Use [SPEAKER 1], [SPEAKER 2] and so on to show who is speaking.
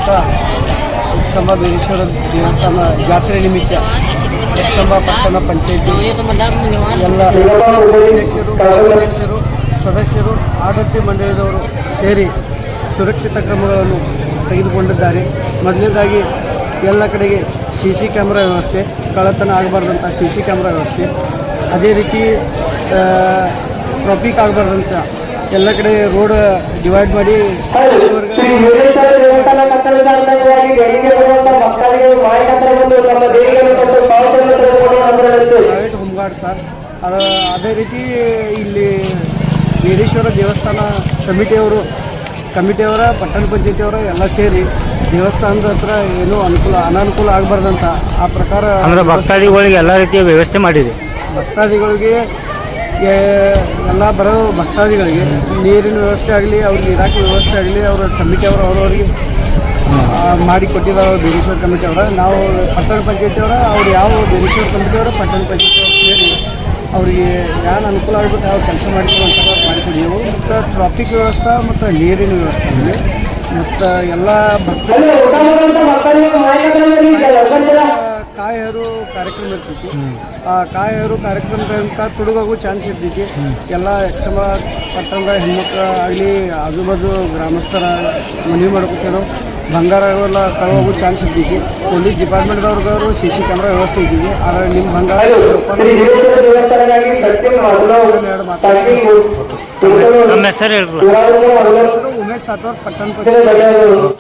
[SPEAKER 1] ಎಕ್ಸಂಬ ಬೀರೇಶ್ವರ ದೇವಸ್ಥಾನ ಜಾತ್ರೆ ನಿಮಿತ್ತ ಎಕ್ಸಂಬ ಪಟ್ಟಣ ಪಂಚಾಯಿತಿ ಎಲ್ಲ ಅಧ್ಯಕ್ಷರು ಸದಸ್ಯರು ಆಡಳಿತ ಮಂಡಳಿದವರು ಸೇರಿ ಸುರಕ್ಷಿತ ಕ್ರಮಗಳನ್ನು ತೆಗೆದುಕೊಂಡಿದ್ದಾರೆ. ಮೊದಲನೇದಾಗಿ ಎಲ್ಲ ಕಡೆಗೆ CC ಕ್ಯಾಮ್ರಾ ವ್ಯವಸ್ಥೆ, ಕಳ್ಳತನ ಆಗಬಾರ್ದಂಥ CC ಕ್ಯಾಮ್ರಾ ವ್ಯವಸ್ಥೆ, ಅದೇ ರೀತಿ ಟ್ರಾಫಿಕ್ ಆಗಬಾರ್ದಂತ ಎಲ್ಲ ಕಡೆ ರೋಡ್ ಡಿವೈಡ್ ಮಾಡಿ ಪ್ರೈವೇಟ್ ಹೋಮ್ ಗಾರ್ಡ್ ಸರ್. ಅದೇ ರೀತಿ ಇಲ್ಲಿ ಬೀರೇಶ್ವರ ದೇವಸ್ಥಾನ ಕಮಿಟಿಯವರ ಪಟ್ಟಣ ಪಂಚಾಯತಿಯವರ ಎಲ್ಲ ಸೇರಿ ದೇವಸ್ಥಾನದ ಹತ್ರ ಏನೂ ಅನಾನುಕೂಲ ಆಗಬಾರ್ದಂತ ಆ ಪ್ರಕಾರ
[SPEAKER 2] ಅಂದ್ರೆ ಭಕ್ತಾದಿಗಳಿಗೆ ಎಲ್ಲ ರೀತಿಯ ವ್ಯವಸ್ಥೆ ಮಾಡಿದೆ.
[SPEAKER 1] ಭಕ್ತಾದಿಗಳಿಗೆ ಎಲ್ಲ ಬರೋ ಭಕ್ತಾದಿಗಳಿಗೆ ನೀರಿನ ವ್ಯವಸ್ಥೆ ಆಗಲಿ, ಅವ್ರಿಗೆ ಇರಾಕಿ ವ್ಯವಸ್ಥೆ ಆಗಲಿ, ಅವರ ಕಮಿಟಿಯವರು ಅವರವರಿಗೆ ಮಾಡಿಕೊಟ್ಟಿದ್ದಾರೆ. ಬೀರೇಶ್ವರ ಕಮಿಟಿಯವರ ನಾವು ಪಟ್ಟಣ ಪಂಚಾಯತಿಯವರ ಅವ್ರು ಯಾವ ಬೀರೇಶ್ವರ ಕಮಿಟಿಯವರ ಪಟ್ಟಣ ಪಂಚಾಯತಿಯವರು ಸೇರಿ ಅವರಿಗೆ ಏನು ಅನುಕೂಲ ಆಗಬೇಕು ಯಾವ ಕೆಲಸ ಮಾಡಿಕೊಡಿದೆವು. ಮತ್ತು ಟ್ರಾಫಿಕ್ ವ್ಯವಸ್ಥೆ ಮತ್ತು ನೀರಿನ ವ್ಯವಸ್ಥೆ ಇದೆ. ಮತ್ತು ಎಲ್ಲ ಕಾಯರು ಕಾರ್ಯಕ್ರಮ ಇರ್ತೈತಿ. ಆ ಕಾಯರು ಕಾರ್ಯಕ್ರಮದಿಂದ ತುಡುಗಾಗೂ ಚಾನ್ಸ್ ಇರ್ತೈತಿ. ಎಲ್ಲ ಎಕ್ಸಮ ಪಟ್ಟಣದ ಹೆಣ್ಮಕ್ಳು ಆಗಲಿ ಆಜು ಬಾಜು ಗ್ರಾಮಸ್ಥರ ಮನವಿ ಮಾಡ್ಕೊತೇನೋ ಬಂಗಾರ ಎಲ್ಲ ಕಳವಾಗೂ ಚಾನ್ಸ್ ಇರ್ತೈತಿ. ಪೊಲೀಸ್ ಡಿಪಾರ್ಟ್ಮೆಂಟ್ದವ್ರದವರು CC ಕ್ಯಾಮ್ರಾ ವ್ಯವಸ್ಥೆ ಇದ್ದೀವಿ. ಆದರೆ ನಿಮ್ಮ ಬಂಗಾರ
[SPEAKER 2] ನಮ್ಮ ಹೆಸರು
[SPEAKER 1] ಉಮೇಶ್ ಸಾತ್ವರ್ ಪಟ್ಟಣ